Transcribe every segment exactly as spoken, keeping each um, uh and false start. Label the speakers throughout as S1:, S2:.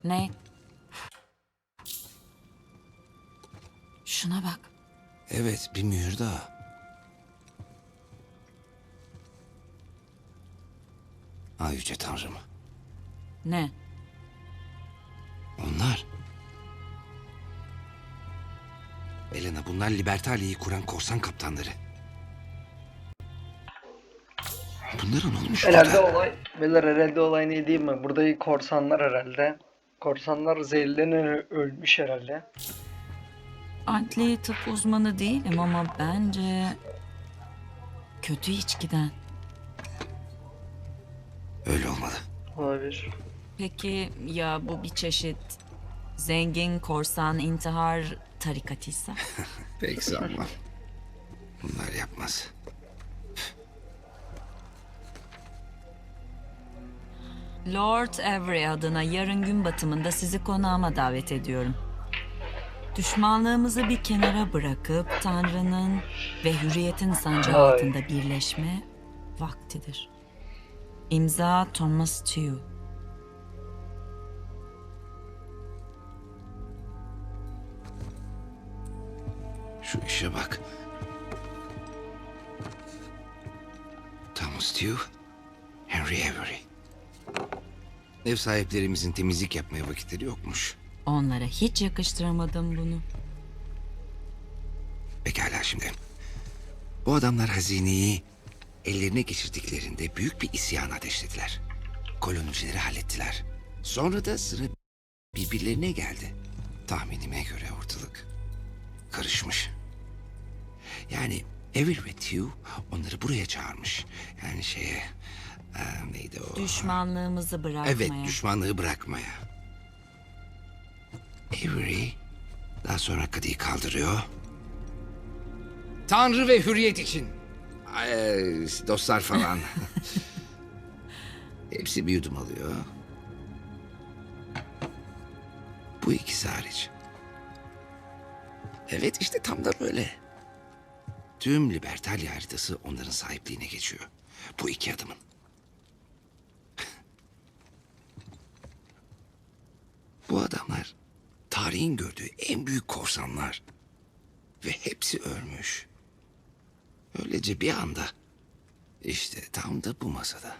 S1: Ne? Şuna bak.
S2: Evet, bir mühür daha. Ay yüce tanrım.
S1: Ne?
S2: Onlar. Elena, bunlar Libertalia'yı kuran korsan kaptanları. Bunlara ne olmuş
S3: Herhalde
S2: burada?
S3: olay, beyler herhalde olay ne diyeyim mi? Burada korsanlar herhalde. Korsanlar zehirlenerek ölmüş herhalde.
S1: Adli tıp uzmanı değilim ama bence kötü içkiden.
S2: Öyle olmalı.
S3: Olabilir.
S1: Peki ya bu bir çeşit zengin korsan intihar tarikatıysa?
S2: Pek sanmam. Bunlar yapmaz.
S1: Lord Avery adına yarın gün batımında sizi konağıma davet ediyorum. Düşmanlığımızı bir kenara bırakıp Tanrı'nın ve hürriyetin sancağı
S3: Ay.
S1: altında birleşme vaktidir. İmza Thomas Tew.
S2: Şu işe bak. Thomas Tew, Henry Avery. Ev sahiplerimizin temizlik yapmaya vakitleri yokmuş.
S1: Onlara hiç yakıştıramadım bunu.
S2: Pekala şimdi. Bu adamlar hazineyi ellerine geçirdiklerinde büyük bir isyan ateşlediler. Kolonicileri hallettiler. Sonra da sıra birbirlerine geldi. Tahminime göre ortalık karışmış. Yani Avery ve Tew onları buraya çağırmış. Yani şeye... e, neydi o?
S1: Düşmanlığımızı bırakmaya.
S2: Evet, düşmanlığı bırakmaya. Avery daha sonra kadıyı kaldırıyor. Tanrı ve hürriyet için. Ay, dostlar falan. Hepsi bir yudum alıyor. Bu ikisi hariç. Evet, işte tam da böyle. Tüm Libertalia haritası onların sahipliğine geçiyor. Bu iki adamın. Bu adamlar tarihin gördüğü en büyük korsanlar. Ve hepsi ölmüş. Öylece bir anda. İşte tam da bu masada.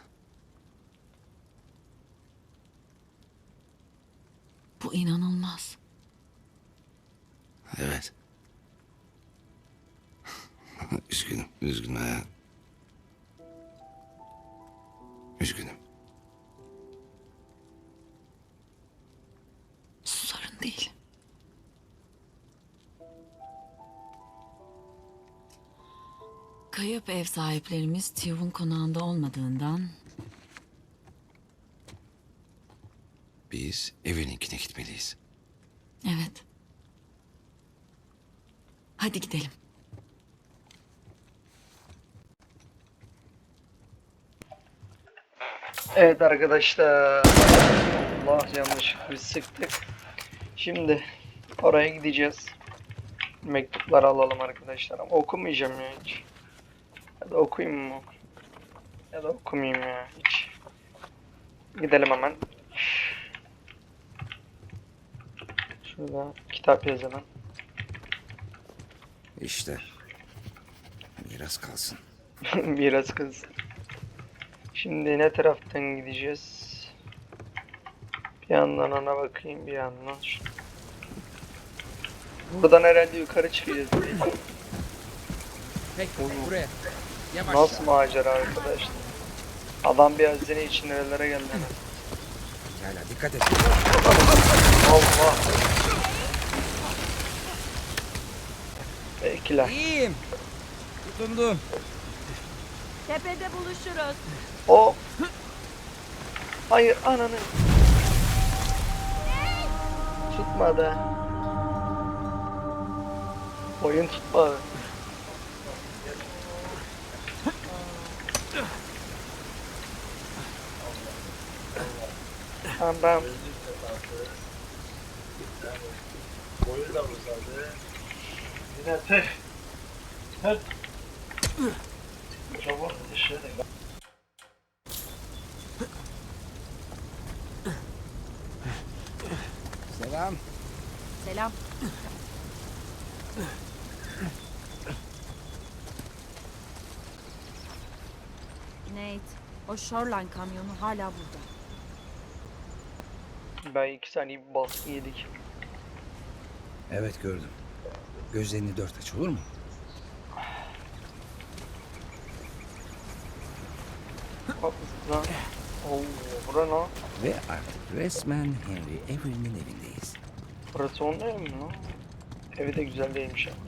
S1: Bu inanılmaz.
S2: Evet. Üzgünüm, üzgünüm ha. Üzgünüm.
S1: Sorun değil. Kayıp ev sahiplerimiz Tew'un konağında olmadığından
S2: Biz Avery'ninkine gitmeliyiz.
S1: evet. Hadi gidelim.
S3: Evet arkadaşlar. Allah, yanlışlıkla bir sıktık. Şimdi oraya gideceğiz. Mektupları alalım arkadaşlar. Ama okumayacağım ya hiç. Ya da okuyayım mı? Ya da okumayayım ya hiç. Gidelim hemen. Şurada kitap yazalım.
S2: İşte. Miras kalsın.
S3: Biraz kız. Şimdi ne taraftan gideceğiz? Bir yandan ona bakayım, bir yandan şu. Buradan herhalde yukarı çıkacağız. Değil mi?
S4: Peki buraya. Yavaş.
S3: Nasıl macera arkadaşlar? Adam bir hazine için nerelere geldi.
S4: Hala dikkat et.
S3: Allah. Bekle.
S4: İyiyim. Tutundum.
S5: Tepede buluşuruz.
S3: O. Hayır, ananı. Tutmadı. Oyun tutmadı. Tamam ben. Yine tek. Tek. Çabuk dışarı.
S4: Selam.
S5: Selam. Nate, o Shoreline kamyonu hala burada.
S3: Ben iki saniye bir baskı yedik.
S2: Evet gördüm. Gözlerini dört aç olur mu?
S3: Bak lan. Oo, bura ne?
S2: Ve artık resmen Henry Avery'nin evindeyiz.
S3: Burası onun evi mi lan? Evi de güzel değilmiş ya.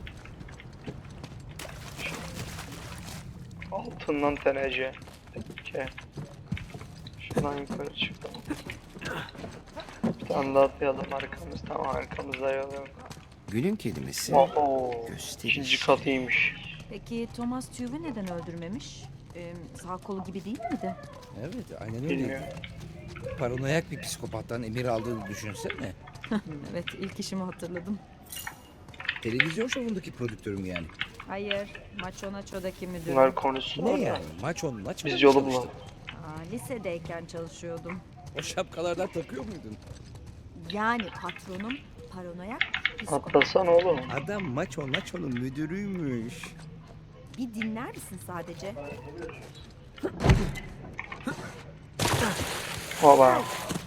S3: Altından tenece. Peki. Şuradan yukarı çıkalım. Bir tane daha atlayalım arkamız. Tamam arkamızda yollayalım.
S2: Günün kelimesi
S3: Oo,
S2: gösteriş.
S3: ikinci katıymış.
S5: Peki Thomas Tuve'ü neden öldürmemiş? Ee, sağ kolu gibi değil miydi?
S4: Evet aynen
S3: Bilmiyorum.
S4: öyle. Paranoyak bir psikopattan emir aldığını düşünsene.
S5: Evet, ilk işimi hatırladım.
S4: Televizyon şovundaki prodüktörüm yani.
S5: Hayır, Macho Nacho'daki müdürüm.
S3: Bunlar konuşsun
S4: Ne
S3: orada.
S4: yani? Maç on maç
S3: Biz
S4: mı
S3: yolu
S4: çalıştın?
S3: bulalım.
S5: Aa, lisedeyken çalışıyordum.
S4: O şapkalardan takıyor muydun?
S5: Yani patronum paranoyak psikopat.
S3: Atlasana oğlum.
S4: Adam maç on maç onun müdürüymüş.
S5: Bir dinler misin sadece?
S3: Baba.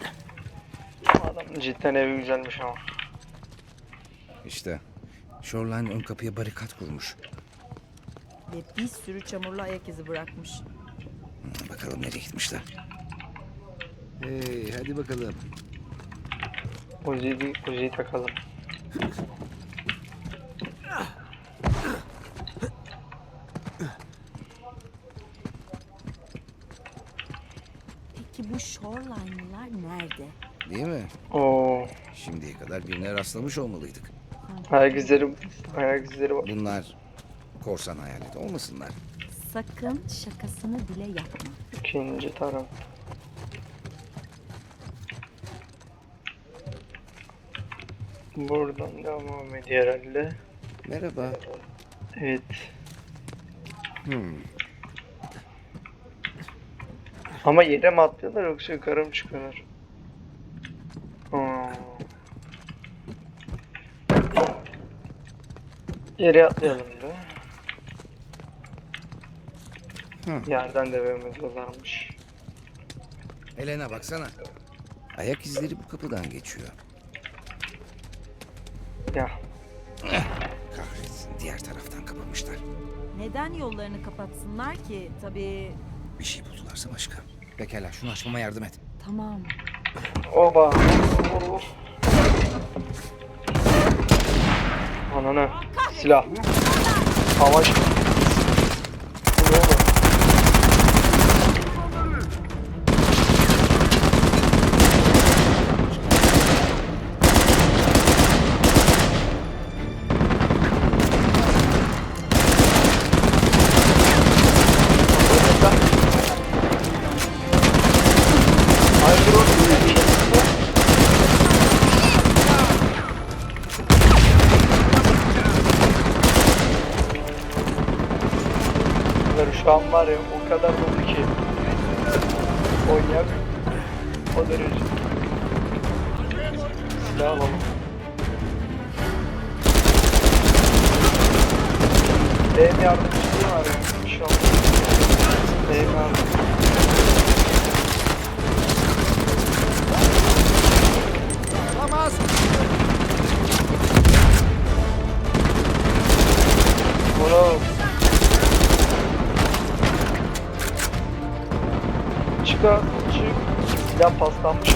S3: Adam cidden evi güzelmiş ama.
S2: İşte Shoreline ön kapıya barikat kurmuş.
S5: Ve bir sürü çamurlu ayak izi bırakmış.
S2: Hmm, Bakalım nereye gitmişler.
S4: Hey hadi bakalım.
S3: Uzi'yi, Uzi'yi takalım.
S5: Peki bu Shoreline'lılar nerede?
S2: Değil mi?
S3: Oo,
S2: Şimdiye kadar birine rastlamış olmalıydık.
S3: ayak izleri, ayak izleri var.
S2: Bunlar korsan hayalet olmasınlar.
S5: Sakın şakasını bile yapma.
S3: İkinci taraf. Buradan devam ediyor herhalde.
S2: Merhaba.
S3: Evet.
S2: Hmm.
S3: Ama yere mi atlıyorlar yoksa yukarı mı çıkıyorlar? Hmm. Yere atlayalım da.
S2: Hı.
S3: Yerden devam ediyorlarmış.
S2: Elena baksana. Ayak izleri bu kapıdan geçiyor.
S3: Ya.
S2: Kahretsin diğer taraftan kapamışlar.
S5: Neden yollarını kapatsınlar ki? Tabii
S2: Bir şey buldularsa başka. Pekala şunu açmama yardım et.
S5: tamam.
S3: Oba. Ananı. Silah. Savaş. Bu ne oğlum? Hayırdır oğlum? Bunları şu an var ya o kadar dolu ki oynayamıyorum. O derece. Silah alalım. Benim yardımcılığı var ya şu an. Benim yardım.
S4: Olamaz.
S3: Oğlum. Çıkar, çık. Silah paslanmış.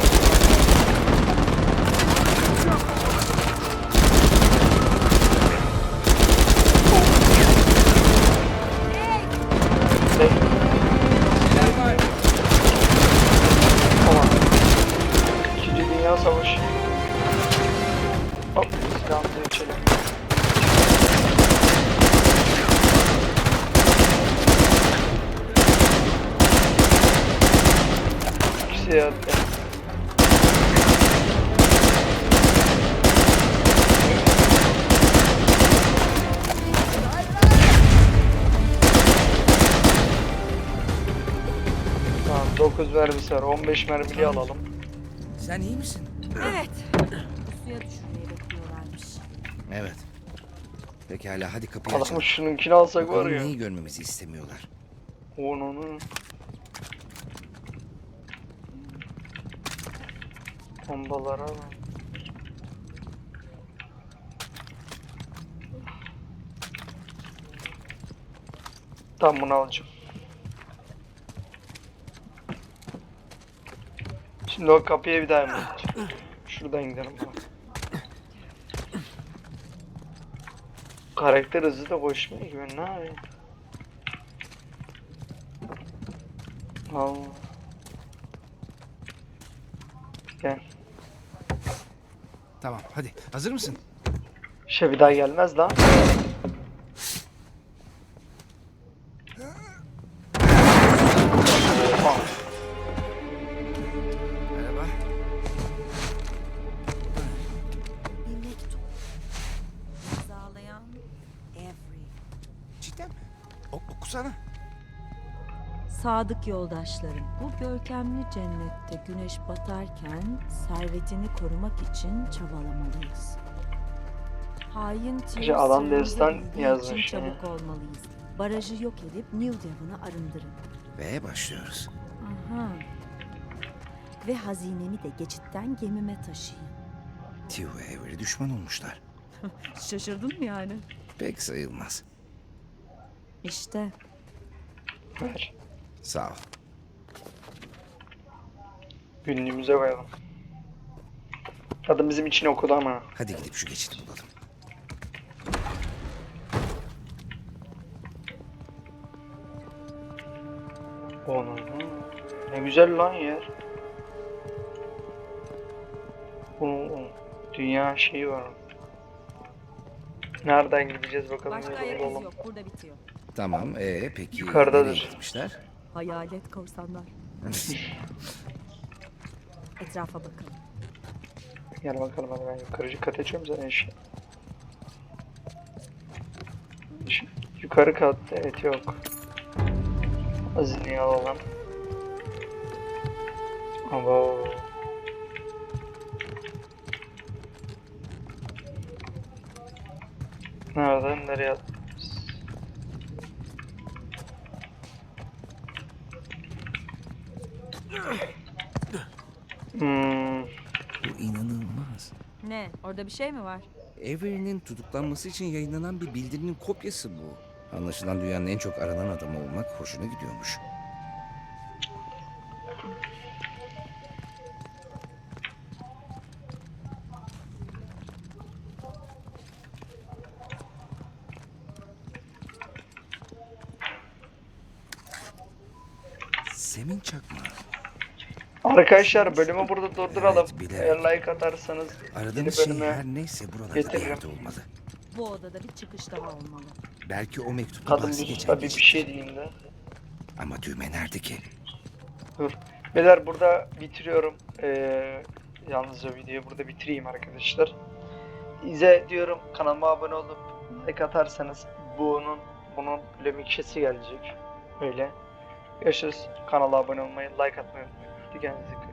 S3: Ne?
S4: Neler var?
S3: Tamam. İkinci Dünya Savaşı. Hop, silahımızı içelim. İkisi yattı. Tamam, dokuz mermisi var. on beş mermili alalım.
S4: Sen iyi misin?
S5: Evet,
S2: Evet. Pekala hadi kapıyı
S3: Adamı
S2: açalım.
S3: şununkini alsak var
S2: Bakalım
S3: ya.
S2: neyi görmemizi istemiyorlar.
S3: Onu. Bombalara bak. Tam bunu alacağım. Şimdi o kapıya bir daha mı gideceğim? Şuradan gidelim bana. Karakter hızlı da koşmuyor ki ben ne yapayım? Allah. Gel.
S2: Tamam hadi hazır mısın?
S3: Şey bir daha gelmez lan. Oha.
S2: Merhaba.
S5: Bir mektup. İmzalayan Avery.
S2: Cidden mi? O, okusana.
S5: Sadık yoldaşlarım, bu görkemli cennette güneş batarken servetini korumak için çabalamalıyız. Hain
S3: İşte adam
S5: Tyr sırrımızı
S3: destan
S5: bildiği için
S3: yazmış ya.
S5: çabuk olmalıyız. Barajı yok edip New Devon'ı arındırın.
S2: Ve başlıyoruz.
S5: Aha. Ve hazinemi de geçitten gemime taşıyın.
S2: Tio ve Avery düşman olmuşlar.
S5: Şaşırdın mı yani?
S2: Pek sayılmaz.
S5: İşte.
S3: Ver.
S2: Sağ ol.
S3: Günlüğümüze koyalım. Kadın bizim için okudu ama.
S2: Hadi gidip şu geçidi bulalım.
S3: Onu. Ne güzel lan yer. Bunun dünya şeyi var. Nereden gideceğiz bakalım.
S5: Başka
S3: yolu
S5: ayak
S3: bulalım.
S5: izi yok. Burada bitiyor.
S2: Tamam ee peki
S3: Yukarıdadır.
S2: nereye gitmişler?
S5: Hayalet korsanlar. Etrafa bakalım.
S3: Gel bakalım hadi ben yukarıcı kat açıyorum zaten işte. Şu yukarı katta evet yok. Hazineyi alalım. Abo. Nereden nereye atmışız? Hmm.
S2: Bu inanılmaz.
S5: Ne? Orada bir şey mi var?
S2: Avery'nin tutuklanması için yayınlanan bir bildirinin kopyası bu. Anlaşılan dünyanın en çok aranan adamı olmak hoşuna gidiyormuş. Semin çakma.
S3: Arkadaşlar bölümü burada durduralım.
S2: Evet, bilerek.
S3: Eğer like atarsanız yeni
S2: Aradığımız şey
S3: bölüme
S2: her neyse buralarda bir
S3: getiririm.
S2: yerde olmalı.
S5: Bu odada bir çıkış daha olmalı.
S2: Belki o mektupta
S3: kadın
S2: bahsi
S3: bir
S2: geçen
S3: tabii bir
S2: geçittir.
S3: şey diyeyim de.
S2: Ama düğme nerede ki?
S3: Dur. Beyler burada bitiriyorum. Ee, yalnızca videoyu burada bitireyim arkadaşlar. İze diyorum kanalıma abone olup like atarsanız bunun bunun lömikşesi gelecek. Öyle. Görüşürüz. Kanala abone olmayı, like atmayı unutmayın. Hadi kendinize